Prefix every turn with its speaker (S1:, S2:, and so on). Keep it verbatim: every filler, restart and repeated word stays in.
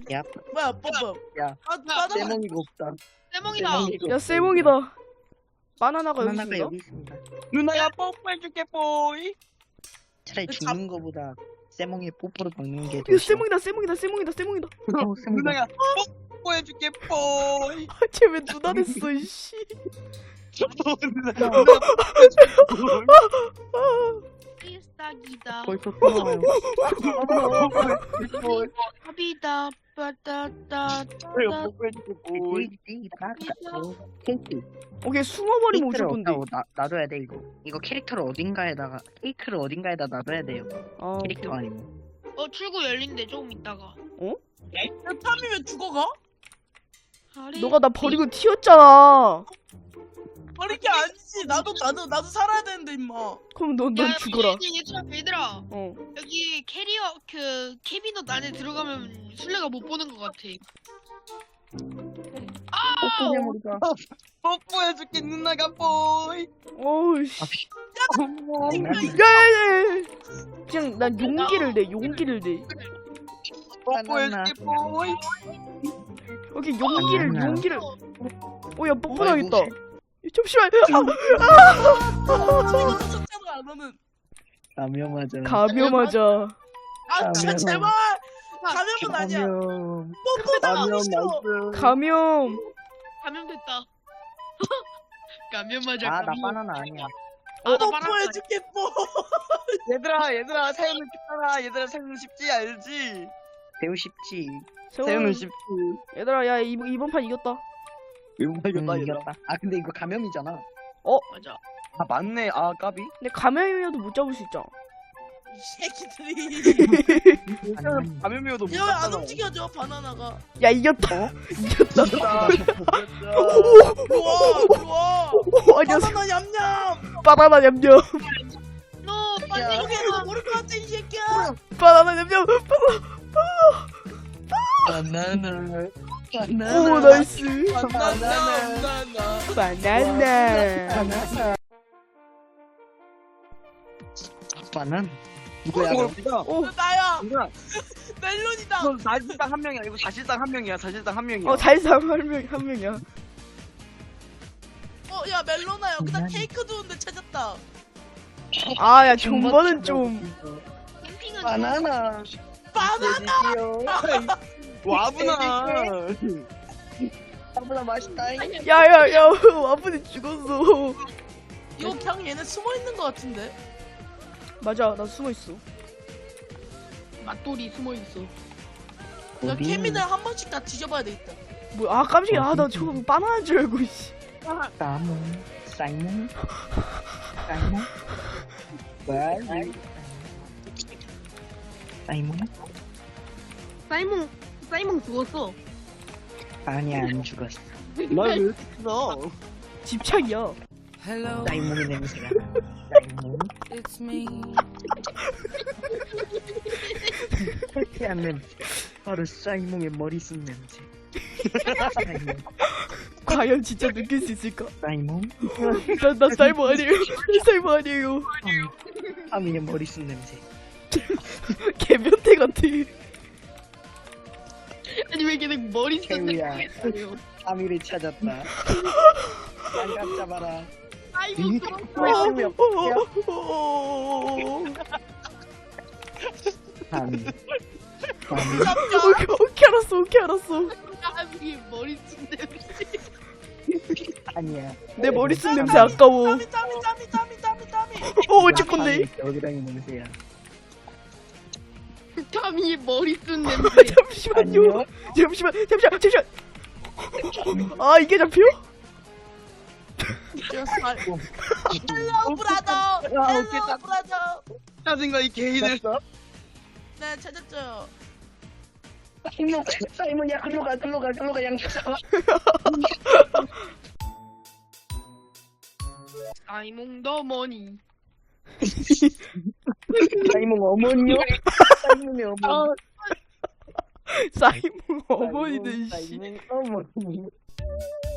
S1: 야,
S2: 뭐야 뽀뽀.
S1: 야,
S2: 아 나도
S1: 세몽이가 없다.
S3: 세몽이다.
S1: 세몽이가
S4: 야
S1: 없다.
S4: 쇠몽이다. 바나나가 여기
S1: 바나나가
S4: 있습니다.
S1: 여기 있습니다.
S2: 누나야 뽀뽀해줄게 뽀이.
S1: 차라리
S2: 그
S1: 죽는 거보다 세몽이 뽀뽀를 박는 게 더
S4: 이거
S1: 싫어.
S4: 쇠몽이다 쇠몽이다 쇠몽이다 쇠몽이다.
S1: 어, 세몽이다.
S2: 누나야 뽀뽀해줄게 뽀이.
S4: 쟤 왜 누나 됐어 이씨.
S2: 누나야 뽀뽀해줄게 뽀이.
S3: 필살기다.
S1: 벌써 끊어요.
S3: 합이다. 빠따따.
S2: 누나야 뽀뽀해줄게 뽀이.
S1: 케이크.
S4: 오케이 숨어버리면
S1: 케이크를
S4: 어쩔 건데.
S1: 없다고 나, 놔둬야 돼 이거. 이거 캐릭터를 어딘가에다가 케이크를 어딘가에다 놔둬야 돼요.
S4: 아,
S1: 캐릭터 아니면.
S3: 어 출구 열린대 조금 있다가.
S2: 야 탐이 왜 죽어가?
S3: 아래.
S4: 너가 나 버리고 튀었잖아.
S2: 버린 게 아니지. 나도 나도 나도 살아야 되는데 임마.
S4: 그럼 넌 넌
S3: 야,
S4: 죽어라.
S3: 여기 얘들아 얘들아.
S4: 어.
S3: 여기 캐리어 그 캐비넛 안에 들어가면 술래가 못 보는 것 같아.
S1: 뽀뽀 메모리가.
S2: 뽀뽀해줄게 누나가 뽀이.
S4: 어우 씨.
S1: 장난이야.
S4: 야야야. 그냥 난 용기를 내 용기를 내.
S2: 뽀뽀해줄게 뽀이.
S4: 오케이 용기를
S1: 장난이야.
S4: 용기를. 어야 뽀뽀하겠다.
S1: 아이고,
S4: 잠시만.
S2: 이거 쳤잖아 너는.
S1: 감염하자.
S4: 감염하자.
S2: 아 진짜
S1: 감염.
S2: 제발. 감염은 아니야.
S1: 감염.
S2: 뽀뽀 당하기
S1: 감염
S2: 싫어.
S1: 나이스.
S4: 감염.
S3: 감염됐다. 감염 맞아.
S1: 아, 나
S3: 감염.
S1: 바나나 아니야.
S3: 아, 나 바나나.
S2: 뽀뽀해줄게 뽀.
S5: 얘들아 얘들아 사연은 쉽잖아. 얘들아 사연은 쉽지 알지?
S1: 배우 쉽지.
S5: 사연은
S4: 세훈.
S5: 쉽지.
S4: 얘들아 야 이번 이번 판 이겼다.
S5: 이거
S1: 음,
S5: 이겼다 얘들아.
S1: 이겼다. 아 근데 이거 감염이잖아.
S3: 맞아.
S5: 아 맞네. 아 까비.
S4: 근데 감염이어도 못 잡을 수 있잖아.
S2: 이 새끼들이.
S1: 아니,
S5: 감염이어도 못
S2: 야왜안
S5: 잡잖아.
S2: 움직여져 바나나가.
S4: 야 이겼다. 이겼다.
S5: 이겼다.
S2: 좋아 좋아.
S4: 오, 아니야
S2: 바나나 얌얌.
S4: 바나나 냠냠.
S3: 너 빨리
S1: 야.
S2: 여기에서 모를 것 같아 이 새끼야.
S4: 바나나 냠냠.
S1: 바나나. 바나나.
S4: 오 나이스.
S2: 바나나 바나나.
S4: 바나나.
S1: 바나나. 바나나. 누구야?
S5: 이거
S1: 그럼?
S5: 누가?
S4: 오.
S2: 나야.
S5: 누가?
S2: 멜론이다.
S5: 이건 사실상 한 명이야. 이거 사실상 한 명이야. 사실상 한 명이야.
S4: 어 잘상 한명한 명이야.
S2: 어 야 멜로나 여기다 케이크 두는데 찾았다.
S4: 아야 존버는 좀.
S3: 캠핑은
S1: 바나나.
S2: 바나나.
S5: 와구나.
S1: 바나나 맛있다.
S4: 야야야 와분이 죽었어.
S2: 이거 그냥 얘네 숨어 있는 것 같은데.
S4: 맞아 나 숨어 있어.
S3: 맛돌이 숨어 있어.
S2: 야 케미는 한 번씩 다 뒤져봐야 되겠다.
S4: 뭐야 아 깜짝이야. 아나 저거 바나나인 줄 알고 씨.
S1: 사이몬. 사이몬. 사이몬. 뭐야? 사이몬?
S3: 사이몽 사이몽 죽었어.
S1: 아니야 안 죽었어.
S5: 나왜 이렇게 크어?
S4: 집착이야.
S1: 사이몬의 냄새가. 사이몬.
S6: It's me.
S1: 상쾌한 냄새. 바로 사이몬의 머리 쓴 냄새. 사이몬.
S4: 과연 진짜 느낄 수 있을까?
S1: 사이몬.
S4: 나, 나 사이버 아니에요. 나 사이버 아니에요.
S1: 하민의 머리 쓴 냄새.
S4: 개변태 같아.
S3: 아니 왜 계속 머리 쓰는
S1: 태우야. 하미를 찾았다. 장갑 잡아라.
S3: 사이몽
S1: 왜
S3: 죽었어.
S1: 태우야?
S4: 어,
S1: 하미. 하미.
S4: 오케이, 오케이 알았어 오케이 알았어.
S3: 사람이 머리 쓴 냄새.
S1: 아니야.
S4: 내 머리 쓴 냄새 아까워.
S2: 땀이 땀이 땀이 땀이 땀이 땀이.
S4: 어 어쩔 건데.
S1: 여기랑이 냄새야.
S3: 타미의 머리 쓴 냄새.
S4: 잠시만요.
S1: 아니요.
S4: 잠시만 잠시만 잠시만. 아 이게 잡혀?
S2: 헬로 브라더. 헬로 브라더.
S5: 짜증나 이 개이들.
S2: 네 찾았죠.
S1: 사이몬, 사이몬이야, 글로 가, 글로 가, 글로 가, 양쪽 잡아.
S3: 사이몽 더 머니.
S1: 사이몬 어머니요? 사이몬의 어머니.
S4: 사이몬 어머니들 씨.
S1: 사이몬 어머니.